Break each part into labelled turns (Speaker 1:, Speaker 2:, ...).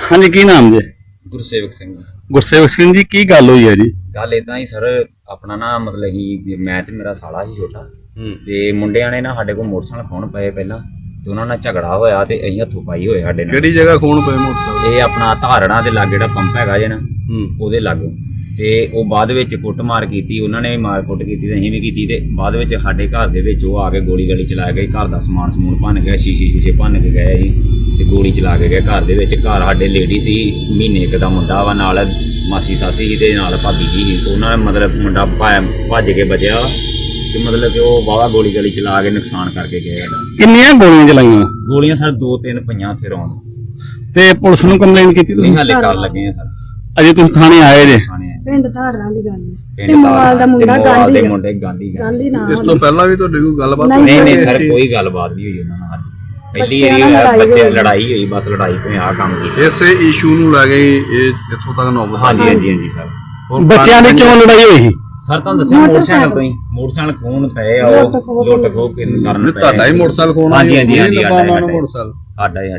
Speaker 1: हाँ जी, की नाम जी?
Speaker 2: गुरसेवक सिंह।
Speaker 1: गुरसेवक सिंह जी, की गल हुई है जी?
Speaker 2: गल इदा ही सर, अपना ना मतलब ही मैं ते मेरा साला ही छोटा ते मुंडिया ने ना साडे कोल मोटरसाइकिल खोण पए पहला ते उन्हां नाल झगड़ा होया ते असीं हत्थों पाई होए साडे नाल।
Speaker 1: किहड़ी जगह खून पे मोटरसाइकिल?
Speaker 2: ये अपना धारणा दे लागे जिहड़ा पंप हैगा जे ना ਉਹਦੇ ਲਾਗੋਂ ਤੇ ਉਹ ਬਾਅਦ ਵਿੱਚ ਕੁੱਟਮਾਰ ਕੀਤੀ, ਉਹਨਾਂ ਨੇ ਵੀ ਮਾਰ ਕੁੱਟ ਕੀਤੀ ਤੇ ਅਸੀਂ ਵੀ ਕੀਤੀ ਤੇ ਬਾਅਦ ਵਿੱਚ ਸਾਡੇ ਘਰ ਦੇ ਵਿੱਚ ਉਹ ਆ ਕੇ ਗੋਲੀ ਗਾਲੀ ਚਲਾ ਗਏ। ਘਰ ਦਾ ਸਮਾਨ ਸਮੂਨ ਭੰਨ ਗਿਆ, ਸ਼ੀਸ਼ੇ ਭੰਨ ਕੇ ਗਏ ਜੀ ਤੇ ਗੋਲੀ ਚਲਾ ਕੇ ਗਏ ਘਰ ਦੇ ਵਿੱਚ। ਘਰ ਸਾਡੇ ਲੇਡੀ ਸੀ, ਮਹੀਨੇ ਇੱਕ ਦਾ ਮੁੰਡਾ ਵਾ, ਨਾਲ ਮਾਸੀ ਸਾਸੀ ਸੀ ਤੇ ਨਾਲ ਭਾਬੀ ਜੀ ਸੀ। ਉਹਨਾਂ ਨੇ ਮਤਲਬ ਮੁੰਡਾ ਭੱਜ ਕੇ ਬਚਿਆ ਤੇ ਮਤਲਬ ਕਿ ਉਹ ਵਾਹਵਾ ਗੋਲੀ ਗਾਲੀ ਚਲਾ ਕੇ ਨੁਕਸਾਨ ਕਰਕੇ ਗਏ ਸਾਡਾ।
Speaker 1: ਕਿੰਨੀਆਂ ਗੋਲੀਆਂ ਚਲਾਈਆਂ?
Speaker 2: ਗੋਲੀਆਂ ਸਰ 2-3 ਪਈਆਂ ਉੱਥੇ ਰੌਣ
Speaker 1: ਤੇ ਪੁਲਿਸ ਨੂੰ ਕੰਪਲੇਂਟ ਕੀਤੀ ਤੁਸੀਂ?
Speaker 2: ਨਹੀਂ ਹਾਲੇ ਕਰ ਲੱਗੇ ਆ ਸਰ।
Speaker 1: ਅਜੇ ਤੁਸੀਂ ਥਾਣੇ ਆਏ ਜੇ?
Speaker 2: ਥਾਣੇ ਆਏ।
Speaker 3: ਪਿੰਡ ਧਾਰਾਂ ਦੀ ਗੱਲ
Speaker 2: ਪਿੰਡ
Speaker 3: ਤੇ ਮੋਵਾਲ ਦਾ ਮੁੰਡਾ
Speaker 2: ਮੋਵਾਲ ਦੇ
Speaker 3: ਗਾਂਧੀ
Speaker 2: ਮੁੰਡੇ ਗਾਂਧੀ
Speaker 3: ਗਾਂਧੀ ਨਾਮ
Speaker 1: ਇਸ ਤੋਂ ਪਹਿਲਾਂ ਵੀ ਤੁਹਾਡੀ ਕੋਈ ਗੱਲਬਾਤ?
Speaker 2: ਨਹੀਂ ਨਹੀਂ ਸਰ, ਕੋਈ ਗੱਲਬਾਤ ਨਹੀਂ ਹੋਈ ਉਹਨਾਂ ਨਾਲ। ਪਹਿਲੀ ਵਾਰੀ ਹੋਇਆ ਬੱਚੇ ਲੜਾਈ ਹੋਈ, ਬਸ ਲੜਾਈ ਤੋਂ ਆ ਕੰਮ ਕੀਤਾ।
Speaker 1: ਇਸੇ ਇਸ਼ੂ ਨੂੰ ਲੈ ਕੇ ਇਹ ਇੱਥੋਂ ਤੱਕ ਨੌਬਤ?
Speaker 2: ਹਾਂਜੀ ਹਾਂਜੀ ਹਾਂਜੀ ਸਰ।
Speaker 1: ਬੱਚਿਆਂ ਦੀ ਕਿਉਂ ਲੜਾਈ ਹੋਈ ਸੀ?
Speaker 2: ਸਰ ਤੁਹਾਨੂੰ ਦੱਸਿਆ ਮੋਟਰਸਾਈਕਲ ਤੋਂ ਹੀ, ਮੋਟਰਸਾਈਕਲ ਖੋਣ ਪਏ ਆ, ਉਹ ਲੁੱਟ ਖੋਹ ਕਰਨ ਪਏ।
Speaker 1: ਤੁਹਾਡਾ ਹੀ ਮੋਟਰਸਾਈਕਲ ਖੋਣਾ?
Speaker 2: ਹਾਂਜੀ ਹਾਂਜੀ ਹਾਂਜੀ
Speaker 1: ਮੋਟਰਸਾਈਕਲ
Speaker 2: ਸਾਡਾ ਹੀ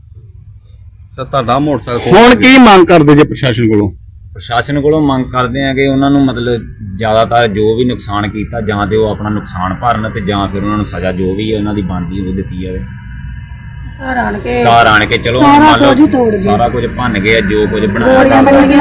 Speaker 1: ਤਾਂ ਤੁਹਾਡਾ ਮੋਟਰਸਾਈਕਲ। ਹੁਣ ਕੀ ਮੰਗ ਕਰਦੇ ਜੇ ਪ੍ਰਸ਼ਾਸਨ ਕੋਲੋਂ?
Speaker 2: ਪ੍ਰਸ਼ਾਸਨ ਕੋਲੋਂ ਮੰਗ ਕਰਦੇ ਆ ਕਿ ਉਹਨਾਂ ਨੂੰ ਮਤਲਬ ਜ਼ਿਆਦਾਤਰ ਜੋ ਵੀ ਨੁਕਸਾਨ ਕੀਤਾ ਜਾਂ ਤੇ ਉਹ ਆਪਣਾ ਨੁਕਸਾਨ ਭਰਨ ਤੇ ਜਾਂ ਫਿਰ ਉਹਨਾਂ ਨੂੰ ਸਜ਼ਾ ਜੋ ਵੀ ਹੈ ਉਹਨਾਂ ਦੀ ਬਣਦੀ ਉਹ ਦਿੱਤੀ ਜਾਵੇ। ਘਰ ਆਣ ਕੇ ਚਲੋ ਮੰਨ ਲਓ ਸਾਰਾ ਕੁਝ ਭੰਨ ਗਏ, ਜੋ ਕੁਝ ਬਣਾਇਆ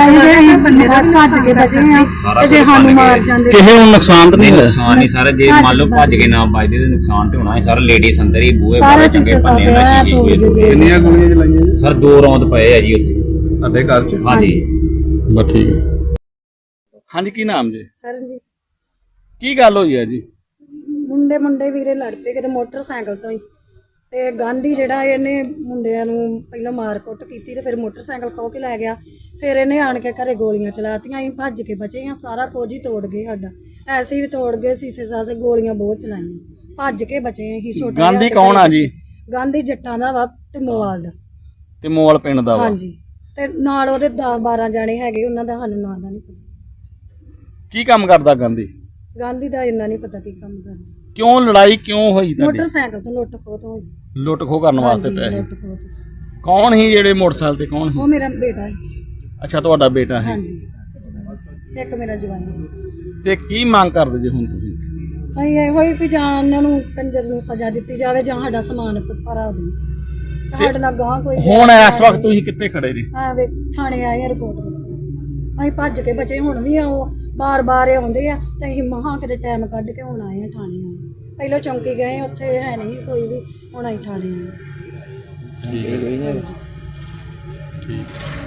Speaker 3: ਭੱਜ ਕੇ ਬਚੇ ਆ ਤੇ ਜੇ ਸਾਨੂੰ ਮਾਰ ਜਾਂਦੇ
Speaker 1: ਕਿਸੇ ਨੂੰ ਨੁਕਸਾਨ ਤਾਂ ਨਹੀਂ ਹੋਇਆ?
Speaker 2: ਨੁਕਸਾਨ ਨਹੀਂ ਸਰ, ਜੇ ਮੰਨ ਲਓ ਭੱਜ ਕੇ ਨਾ ਵੱਜਦੇ ਤੇ ਨੁਕਸਾਨ ਤੇ ਹੋਣਾ ਹੈ ਸਰ। ਲੇਡੀਜ਼ ਅੰਦਰ ਹੀ ਬੂਹੇ ਬਾਰੇ ਚੰਗੇ ਪੰਨੇ ਨਾਲ ਸ਼ੀਸ਼ੇ।
Speaker 1: ਕਿੰਨੀਆਂ ਗੋਲੀਆਂ ਚਲਾਈਆਂ ਜੀ?
Speaker 2: ਸਰ 2 ਰੌਂਦ ਪਏ ਆ ਜੀ ਉੱਥੇ
Speaker 1: ਤੁਹਾਡੇ ਘਰ 'ਚ?
Speaker 2: ਹਾਂਜੀ
Speaker 1: ਬਸ ਠੀਕ ਹੈ। ਹਾਂਜੀ, ਕੀ ਨਾਮ ਜੀ?
Speaker 3: ਸਰ ਜੀ
Speaker 1: ਕੀ ਗੱਲ ਹੋਈ ਹੈ ਜੀ?
Speaker 3: ਮੁੰਡੇ ਵੀਰੇ ਲੜ ਪਏ ਕਿਤੇ ਮੋਟਰਸਾਈਕਲ ਤੋਂ ਹੀ ਤੇ ਗਾਂਧੀ ਜਿਹੜਾ ਇਹਨੇ ਮੁੰਡਿਆਂ ਨੂੰ ਪਹਿਲਾਂ ਮਾਰ ਕੁੱਟ ਕੀਤੀ ਤੇ ਫਿਰ ਮੋਟਰਸਾਈਕਲ ਖੋਹ ਕੇ ਲੈ ਗਿਆ। ਫਿਰ ਇਹਨੇ ਆਣ ਕੇ ਘਰੇ ਗੋਲੀਆਂ ਚਲਾਤੀਆਂ। ਅਸੀਂ ਭੱਜ ਕੇ ਬਚੇ ਆ, ਸਾਰਾ ਕੁਝ ਹੀ ਤੋੜ ਗਏ ਸਾਡਾ। ਐਸੇ ਵੀ ਤੋੜ ਗਏ, ਸੀਸੇ ਸਾਸੇ, ਗੋਲੀਆਂ ਬਹੁਤ ਚਲਾਈਆਂ, ਭੱਜ ਕੇ ਬਚੇ ਅਸੀਂ। ਛੋਟਾ
Speaker 1: ਗਾਂਧੀ ਕੌਣ ਆ ਜੀ?
Speaker 3: ਗਾਂਧੀ ਜੱਟਾਂ ਦਾ ਵਾ ਤੇ ਮੋਵਾਲ ਦਾ।
Speaker 1: ਤੇ ਮੋਵਾਲ ਪਿੰਡ ਦਾ ਵਾ?
Speaker 3: ਹਾਂਜੀ, ਤੇ ਨਾਲ ਉਹਦੇ 10-12 ਜਾਣੇ ਹੈਗੇ, ਉਹਨਾਂ ਦਾ ਸਾਨੂੰ ਨਾਂ ਦਾ ਨਹੀਂ ਪਤਾ।
Speaker 1: ਕੀ ਕੰਮ ਕਰਦਾ ਗਾਂਧੀ?
Speaker 3: ਗਾਂਧੀ ਦਾ ਇੰਨਾ ਨਹੀਂ ਪਤਾ ਕੀ ਕੰਮ ਕਰਦਾ।
Speaker 1: ਕਿਉਂ ਲੜਾਈ ਕਿਉਂ ਹੋਈ ਤੁਹਾਡੀ?
Speaker 3: ਮੋਟਰਸਾਈਕਲ ਤੋਂ ਲੁੱਟ ਖੋਹ ਤੋਂ ਹੋਈ।
Speaker 1: ਲੁੱਟ ਖੋਹ ਕਰਨ ਵਾਸਤੇ
Speaker 3: ਹਾਂਜੀ,
Speaker 1: ਪੈਸੇ?
Speaker 3: ਲੁੱਟ ਖੋਹ ਤੋਂ।
Speaker 1: ਕੌਣ ਸੀ ਜਿਹੜੇ ਮੋਟਰਸਾਈਕਲ ਤੇ? ਕੌਣ ਸੀ?
Speaker 3: ਉਹ ਮੇਰਾ ਬੇਟਾ ਹੈ।
Speaker 1: ਅੱਛਾ, ਤੁਹਾਡਾ ਬੇਟਾ ਹੈ।
Speaker 3: ਹਾਂਜੀ, ਇੱਕ ਮੇਰਾ ਜਵਾਈ ਹੈ।
Speaker 1: ਤੇ ਕੀ ਮੰਗ ਕਰਦੇ ਜੇ ਹੁਣ ਤੁਸੀਂ?
Speaker 3: ਅਸੀਂ ਇਹੋ ਹੀ ਵੀ ਜਾਂ ਉਹਨਾਂ ਨੂੰ ਕੰਜਰ ਨੂੰ ਸਜ਼ਾ ਦਿੱਤੀ ਜਾਵੇ ਜਾਂ ਸਾਡਾ ਸਮਾਨ ਭਰਾ ਦੇ। ਸਾਡੇ ਨਾਲ ਗਾਂ ਕੋਈ
Speaker 1: ਹੁਣ ਇਸ ਵਕਤ ਤੁਸੀਂ ਕਿੱਥੇ ਖੜੇ ਜੀ?
Speaker 3: ਵੇ ਥਾਣੇ ਆਏ ਆ ਰਿਪੋਰਟ। ਅਸੀਂ ਭੱਜ ਕੇ ਬਚੇ। ਹੁਣ ਵੀ ਉਹ ਬਾਰ-ਬਾਰ ਆਉਂਦੇ ਆ ਤੇ ਅਸੀਂ ਮਹਾਂ ਕਿਤੇ ਟਾਈਮ ਕੱਢ ਕੇ ਹੁਣ ਆਏ ਆ ਥਾਣੇ ਆਏ। ਪਹਿਲਾਂ ਚੌਂਕੀ ਗਏ, ਉੱਥੇ ਹੈ ਨਹੀਂ ਕੋਈ ਵੀ, ਹੁਣ ਅਸੀਂ ਥਾਣੇ ਆਏ।
Speaker 1: ਠੀਕ ਹੈ। ਠੀਕ।